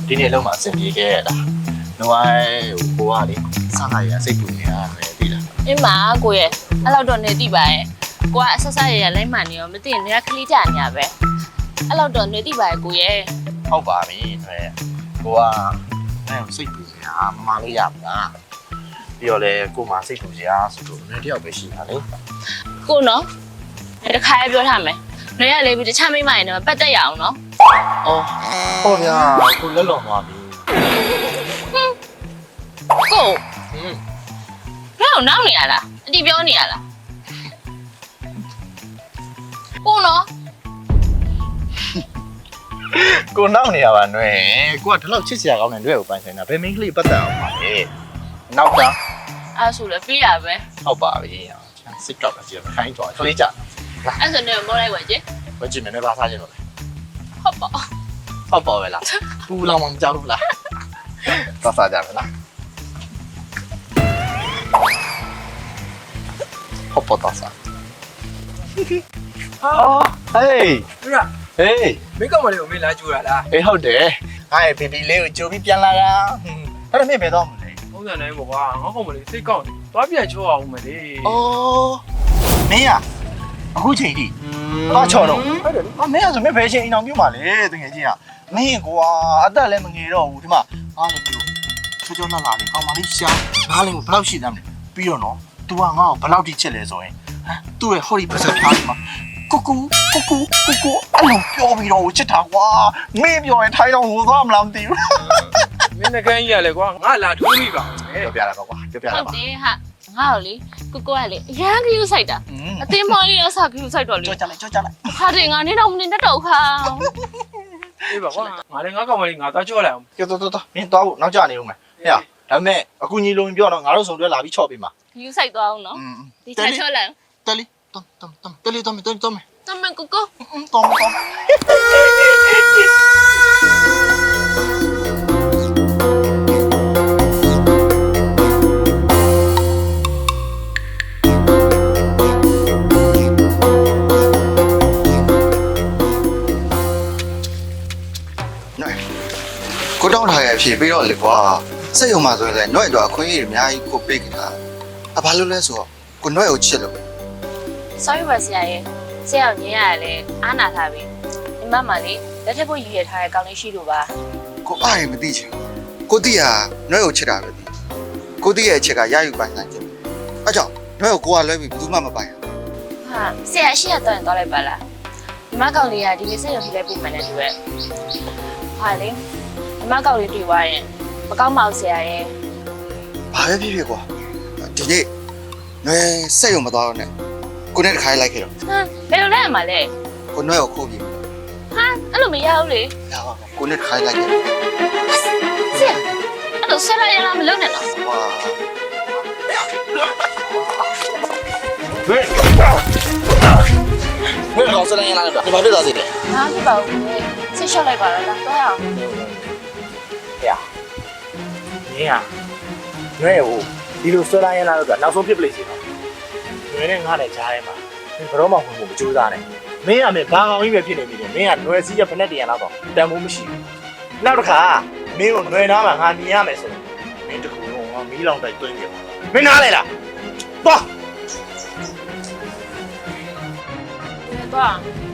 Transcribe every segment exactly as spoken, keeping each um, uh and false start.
ဒီနေ့လုံးမှာအဆင်ပြေခဲ့ရတာ။နော်ဟိုကလေစားလာရစိတ်ပူနေရတယ်သိလားအင်းမကိုရဲ့အဲ့လောက်တော့နေတိပါရဲ့ကိုကအဆက်ဆက်ရရလိုင်းမှန်နေရောမသိရင်နေကခလေးကြနေရပဲအဲ့လောက်တော့နေတိပါရဲ့ကိုရဲ့။ဟုတ်ပါပြီ။တွေ့။ကိုကအဲ့စိတ်ပူနေတာမမလေးရမလား။ပြီးတော့လေကိုမှစိတ်ပူစရာဆိုတော့နည်းတယောက်ပဲရှိတာလေကိုနော်ဒီတစ်ခါရပြောထားမယ်နေရလေးပြီးတခြားမိမရင်တော့ပတ်သက်ရအောင်နော်။အော်ဟုတ်ဗျာကိုလက်လွန်သွားပြီကို။ဟင်းဘယ်အောင်နောက်နေရလားအတီပြောနေရလားကိုနော်ကိုနောက်နေရပါနွယ်ကိုကဒီလောက်ချစ်စရာကောင်းတဲ့တွေ့ကိုပိုင်ဆိုင်တာဘယ်မင်းကလေးပတ်သက်အောင်ပါလဲနောက်တာအဲ့ဆိုလည်းပြီးရပဲဟုတ်ပါပြီစစ်ကောက်တာကြည့်ခိုင်းတော့ခလေးကြအဲ့ဆိုနေမောလိုက်ပါကြည့်ဝကြည့်မယ်နဲ့ပါစားခြင်းလို့ဟုတ်ပါဟုတ်ပါပဲလားပူလောင်မှမကြောက်ဘူးလားပါစားကြမယ်လားဟုတ်ပါတော့စားအော်ဟေးဟုတ်လားဟေးမိကောက်မလေးကိုမင်းလာကြိုးတာလားအေးဟုတ်တယ်ငါ့ရဲ့ဘီဘီလေးကိုကြိုပြီးပြန်လာတာအဲ့ဒါမင်းဘယ်တော့မလဲပုံစံတိုင်းပေါ့ကွာငါကောင်မလေးစိတ်ကောက်တယ်သွားပြန်ချိုးအောင်မလေးအော်မင်းอ่ะအခုချိန်ထိဘာချော်တော့ဟုတ်တယ်အမင်းอ่ะဆိုမင်းဘယ်ချိန်အိမ်အောင်ပြုတ်မှာလဲတကယ်ကြီးอ่ะမင်းကွာအသက်လည်းမငယ်တော့ဘူးဒီမှာငါလည်းပြုတ်ချောချောလှလှလေးကောင်းပါလိရှာငါလည်းဘယ်လောက်ရှိသမ်းလဲပြီးတော့နော် तू ကငါ့ကိုဘယ်လောက်ထိချစ်လဲဆိုရင်ဟမ်သူ့ရဲ့ဟော်ဒီပတ်စပ်ဖြားဒီမှာကိုကူကိုကူကိုကူအဲ့လိုပြောပြီးတော့ချစ်တာကွာမင်းပြောရင်ထိုင်းတော့ဟိုသွားမလားမသိဘူးမင်းနှကန်းကြီးရလေကွာငါလာထိုးမိပါမယ်ပြောပြတာကွာပြောပြဟုတာတ်ပါတယ်ဟာငါ့ကိုလေကိုကိုကလေအရန်ကယူဆိုင်တာအတင်းမလေးတော့စကယူဆိုင်တော့လေကြောက်ကြလိုက်ကြောက်ကြလိုက်ဟာတယ်ငါနေတော့မနေတတ်တော့ခါအေးပါကွာငါလည်းငါကောင်မလေးငါသွားကြောက်လိုက်အောင်ကြောက်တော့တော့မင်းသွားဖို့နောက်ကျနေဦးမယ်ဟဲ့ဒါပေမဲ့အခုညီလုံးပြောတော့ငါတို့ဆုံတွဲလာပြီးချော့ပေးမှာယူဆိုင်သွားအောင်နော်ဒီချာချောလိုက်တယ်လီတမ်တမ်တမ်တယ်လီတမ်တယ်လီတမ်တမန်ကိုကိုတော်မတော်ကိုတောင်းထားရအဖြစ်ပြီးတော့လေကွာစိတ်ယုံမှဆိုရင်လည်းနှွဲ့တော့အခွင့်အရေးအများကြီးကိုပေးကြတာအဘာလို့လဲဆိုတော့ကိုနှွဲ့ကိုချစ်လို့ sorry ပါဆရာရဲ့ဆရာညင်ရလဲအားနာထားပြီဒီမမလေးလက်ထပ်ဖို့ရည်ရထားတဲ့ကောင်းလေးရှိလို့ပါကိုအားရမသိချင်ကိုတိဟာနှွဲကိုချစ်တာပဲဒီကိုတိရဲ့အချက်ကရယူပိုင်ဆိုင်ခြင်းအဲကြောင့်နှွဲကိုကိုကလွဲပြီးဘူးမှမပိုင်ဟာဆရာရှိရတော့ရင်တော့လိုက်ပါလားဒီမကောက်လေးကဒီနေ့စိတ်ရုံထိလိုက်ပို့မှန်းတဲ့သူရဲ့ဟာလေဒီမကောက်လေးတွေ့သွားရင်မကောက်မအောင်ဆရာရဲ့ဘာပဲဖြစ်ဖြစ်ကွာဒီနေ့နှွဲစက်ရုံမသွားတော့နဲ့ကိုနဲ့တခါလိုက်ခဲ့တော့ဟမ်ဘယ်လိုလဲမှာလဲကိုနှွဲကိုခိုးပြီးဟာအဲ့လိုမရဘူးလေရပါကိုနဲ့တခါလိုက်ခဲ့ဆရာအဲ့လိုဆက်လိုက်ရလားမလုပ်နဲ့တော့ဝါဟဲ့ဘယ်တော့ဆက်လိုက်ရလားဒီမှာပြဿနာစီတယ်ငါဖြစ်ပါဘူးလေဆစ်ရှော့လိုက်ပါတော့လားတော့ရအောင်ဟဲ့မင်းอ่ะနှွဲ့ကိုဒီလိုဆွဲလိုက်ရလားတော့နောက်ဆုံးဖြစ်ပလိစီတော့နှွဲ့နဲ့ငါနဲ့ကြားထဲမှာဘယ်တော့မှဝင်ဖို့မကြိုးစားနဲ့မင်းကမင်းဘာကောင်ကြီးပဲဖြစ်နေပြီလေမင်းကနှွဲ့စီးရဖက်နဲ့တရံလောက်တော့တန်ဖို့မရှိဘူးနောက်တစ်ခါမင်းကိုနှွဲ့နားမှာငါမြင်ရမယ်ဆိုမင်းတကူလုံးငါမီးလောင်တိုက်သွင်းပြမင်းနားလေလားသွားတော့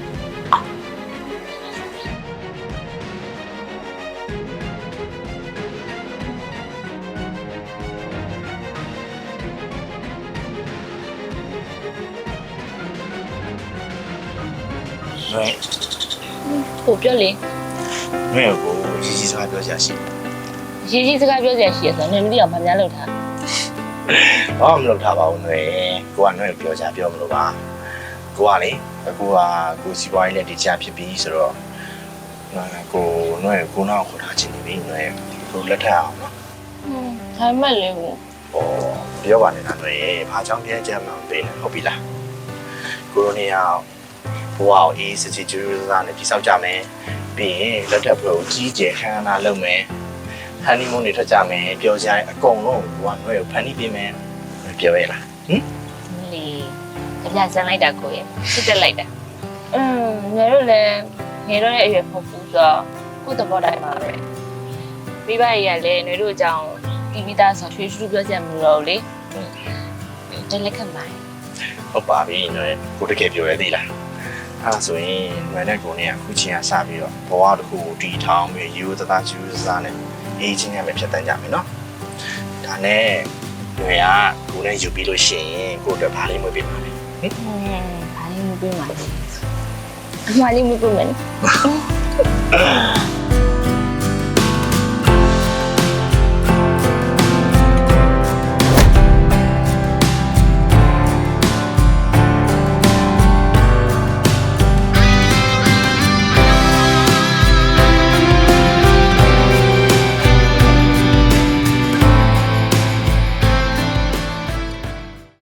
နှွဲ့ကိုပြောလေနှွဲ့ကိုရီကြီးစကားပြောကြရှိရေးကြီးစကားပြောစရာရှိရဆိုနေမသိအောင်မများလို့ထားဘာမှမလုပ်ထားပါဘူးနှွဲ့ကိုကနှွဲ့ကိုပြောကြပြောမလို့ပါကိုကလေအခုကကိုစီပွားရေးနဲ့ဒီချာဖြစ်ပြီးဆိုတော့ကိုနှွဲ့ကိုနောက်ခေါ်ထားချင်နေပြီနှွဲ့ကိုလက်ထပ်အောင်နော်ဟွန်းဒါမှမဟုတ်လေကိုဟောပြောပါနဲ့နှွဲ့ဘာကြောင့်ပြကြမှာပေးလဲဟုတ်ပြီလားကိုရိုနီယာဘဝကိုအေးစစ်စစ်ကျူးစားနဲ့ပြစောက်ကြမယ်ပြီးရင်လက်ထပ်ဖွဲ့ကိုကြီးကျယ်ခမ်းနားလုပ်မယ်ဟန်နီမွန်းတွေထွက်ကြမယ်ပျော်စရာအကုန်လုံးကိုကနှွဲ့ကိုဖန်တီးပေးမယ်ပြောရလားဟင်လေအပြဆန်းလိုက်တာကိုရဲ့စစ်တက်လိုက်တာอืมငယ်တို့လည်းငယ်တို့ရဲ့အရွယ်ဖုတ်ဖူးဆိုတော့ကိုယ့်သဘောတိုင်းပါပဲမိဘတွေကလည်းຫນွေတို့အကြောင်းတီးပြီးသားဆိုရွှေရှူပြောချက်မလို့လေတယ်လက်ခံပါဟုတ်ပါပြီနွယ်ကိုတကယ်ပြောရသေးလားအဲ့ဆိုရင်နွယ်နဲ့ကိုနဲ့အခုချင်းကစပြီးတော့ဘဝတစ်ခုကိုတီထောင်ပြီးယူသသားယူသသားနဲ့အေးချင်းနဲ့ပဲဖြတ်တန်းကြမယ်နော်ဒါနဲ့နွယ်ကကိုနဲ့ယူပြီးလို့ရှိရင်ကိုအတွက်ဘာလေးမွေးပေးမှာလဲဟင်ဘာလေးမပြေးမှာလဲအမလေးမပြေးမယ်